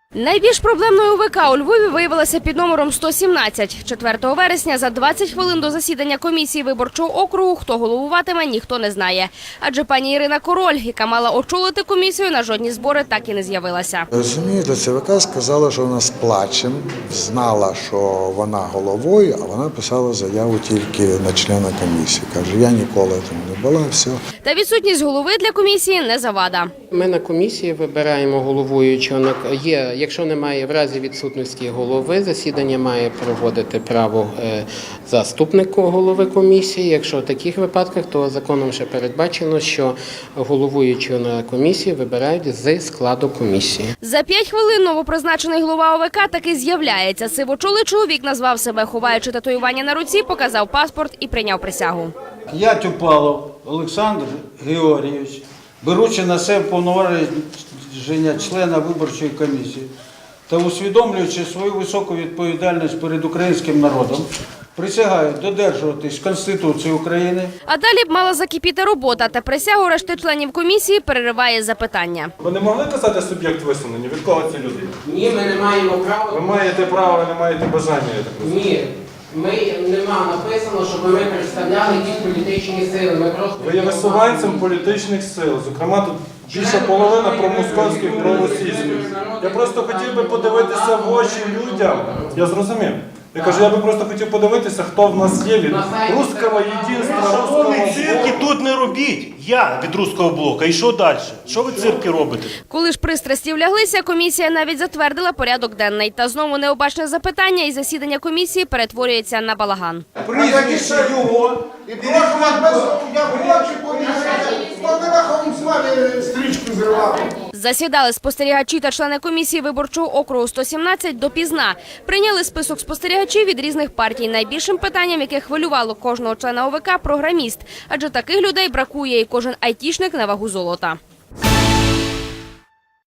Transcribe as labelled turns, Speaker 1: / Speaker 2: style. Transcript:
Speaker 1: Найбільш проблемною ОВК у Львові виявилася під номером 117. 4 вересня за 20 хвилин до засідання комісії виборчого округу, хто головуватиме, ніхто не знає. Адже пані Ірина Король, яка мала очолити комісію, на жодні збори так і не з'явилася.
Speaker 2: Розумієте, ЦВК сказала, що вона з плачем, знала, що вона головою, а вона писала заяву тільки на члена комісії. Каже, я ніколи там не була, все.
Speaker 1: Та відсутність голови для комісії не завада.
Speaker 3: Ми на комісії вибираємо головуючого. Якщо немає в разі відсутності голови, засідання має проводити право заступник голови комісії. Якщо в таких випадках, то законом ще передбачено, що головуючого на комісії вибирають з складу комісії.
Speaker 1: За 5 хвилин новопризначений голова ОВК таки з'являється. Сивочолий чоловік назвав себе, ховаючи татуювання на руці, показав паспорт і прийняв присягу.
Speaker 4: Я Тюпалов Олександр Георгійович, беручи на себе повноваження члена виборчої комісії та усвідомлюючи свою високу відповідальність перед українським народом, присягаю додержуватись Конституції України.
Speaker 1: А далі б мала закипіти робота, та присягу решти членів комісії перериває запитання.
Speaker 5: Ви не могли казати суб'єкт висунення? Від кого ці люди?
Speaker 3: Ні, ми не маємо права.
Speaker 5: Ви маєте право, ви не маєте бажання, я так розумію.
Speaker 3: Ні, нема написано, щоб ми представляли якісь політичні сили. Ми просто
Speaker 5: Ви є висуванцем політичних сил, зокрема тут більша половина промосковських, проросійських. Я просто хотів би подивитися в очі людям. Я зрозумів. Я кажу, я би просто хотів подивитися, хто в нас є від руського єдинства, руського
Speaker 6: Цирки тут не робіть. Я від руського блока. І що далі? Що ви цирки робите?
Speaker 1: Коли ж пристрасті вляглися, комісія навіть затвердила порядок денний. Та знову необачне запитання, і засідання комісії перетворюється на балаган.
Speaker 7: Прізвище його. І прошу вас без... Я хочу помішати. Хто не рахом з вами стрічку зривав?
Speaker 1: Засідали спостерігачі та члени комісії виборчого округу 117 допізна. Прийняли список спостерігачів від різних партій. Найбільшим питанням, яке хвилювало кожного члена ОВК – програміст. Адже таких людей бракує, і кожен айтішник на вагу золота.